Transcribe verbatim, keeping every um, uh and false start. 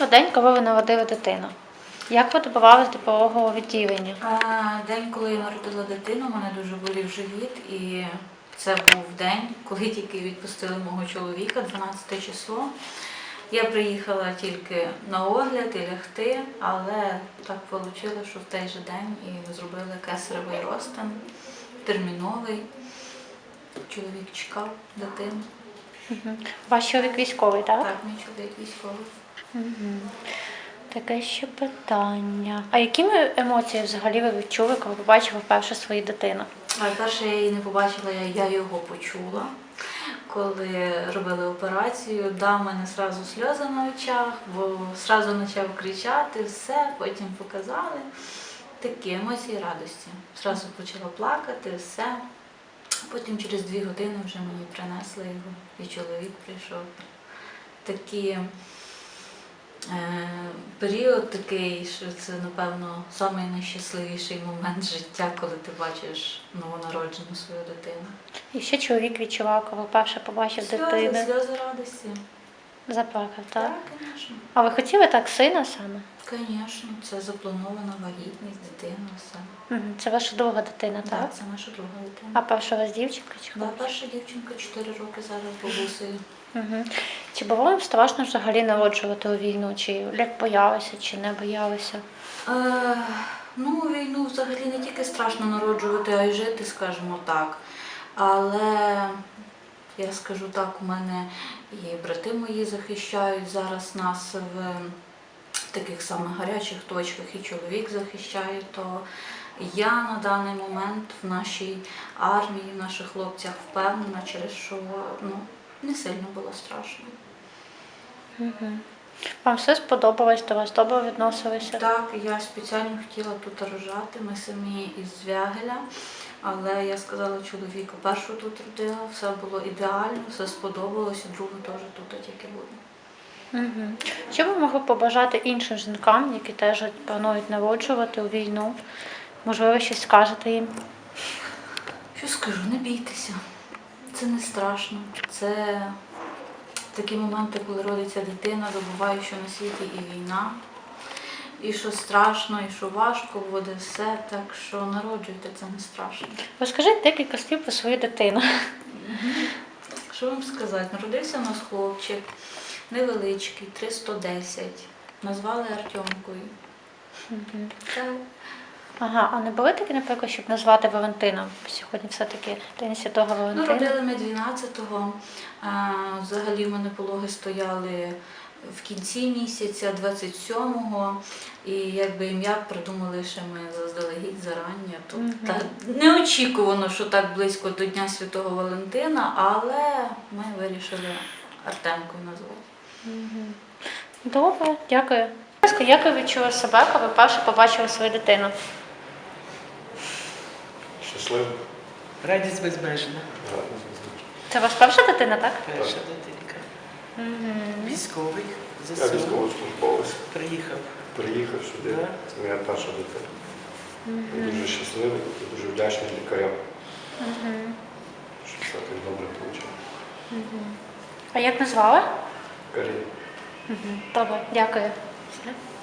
про день, коли ви народили дитину. Як ви добивалися до пологового відділення? А, День, коли я народила дитину, мене дуже болів живіт, і це був день, коли тільки відпустили мого чоловіка, дванадцяте число. Я приїхала тільки на огляд і лягти, але так вийшло, що в той же день і зробили кесаревий розтин, терміновий. Чоловік чекав дитину. Угу. Ваш чоловік військовий, так? Так, мій чоловік військовий. Угу. Таке ще питання. А якими емоції взагалі ви відчули, коли побачили вперше свою дитину? Перше я її не побачила, я, я його почула. Коли робили операцію, да, в мене одразу сльози на очах, бо одразу почав кричати, все, потім показали. Такі емоції радості. Зразу почала плакати, все. Потім через дві години вже мені принесли його, і чоловік прийшов. Такий е, період такий, що це, напевно, найнайщасливіший момент життя, коли ти бачиш новонароджену свою дитину. І що чоловік відчував, коли вперше побачив Сльози, дитину? сльози радості. Заплакав, так? Так, звісно. А ви хотіли так сина саме? Звісно, це запланована вагітність, дитина, все. Угу. Це ваша друга дитина, так? Так, це наша друга дитина. А перша у вас дівчинка чи Да, хлопчик? перша дівчинка чотири роки зараз бабусею. Угу. Чи було вам страшно взагалі народжувати у війну? Чи як боялися, чи не боялися? Е, ну, війну взагалі не тільки страшно народжувати, а й жити, скажімо так. Але я скажу так, у мене і брати мої захищають зараз нас в таких самих гарячих точках, і чоловік захищає, то я на даний момент в нашій армії, в наших хлопцях впевнена, через що ну, не сильно було страшно. Угу. Вам все сподобалось, до вас добре відносилися? Так, я спеціально хотіла тут рожати, ми самі із Звягеля, але я сказала чоловіку, першу тут родила, все було ідеально, все сподобалося, другу теж тут тільки буде. Угу. Що ви могли побажати іншим жінкам, які теж планують народжувати у війну? Можливо, щось скажете їм? Що скажу, не бійтеся, це не страшно, це такі моменти, коли родиться дитина, забуваю, що на світі і війна, і що страшно, і що важко буде все, так що народжуйте, це не страшно. Розкажіть декілька слів про свою дитину. Угу. Що вам сказати, народився у нас хлопчик, невеличкий, триста десять, назвали Артемкою. Угу. Так. Ага, а не були такі, наприклад, щоб назвати Валентином? Сьогодні все-таки День Святого Ну, Валентина. родили ми дванадцятого, взагалі в мене пологи стояли в кінці місяця, двадцять сьомого, і якби ім'я придумали ще ми заздалегідь, зарання. Тут Угу. та, неочікувано, що так близько до Дня Святого Валентина, але ми вирішили Артемкою назвати. Угу. Добре, дякую. Як ви відчули себе, коли вперше побачили свою дитину? Щасливо. Радість безмежна. Це ваша перша дитина, так? Перша дитинка. Угу. Військовий, Я ЗСУ, військовослужбовець. приїхав. Приїхав сюди. Да. Це моя перша дитина. Угу. Я дуже щасливий і дуже вдячний лікарям, Угу. що все так добре вийшло. Угу. А як назвали? Карі. Угу. Добре, дякую. Все.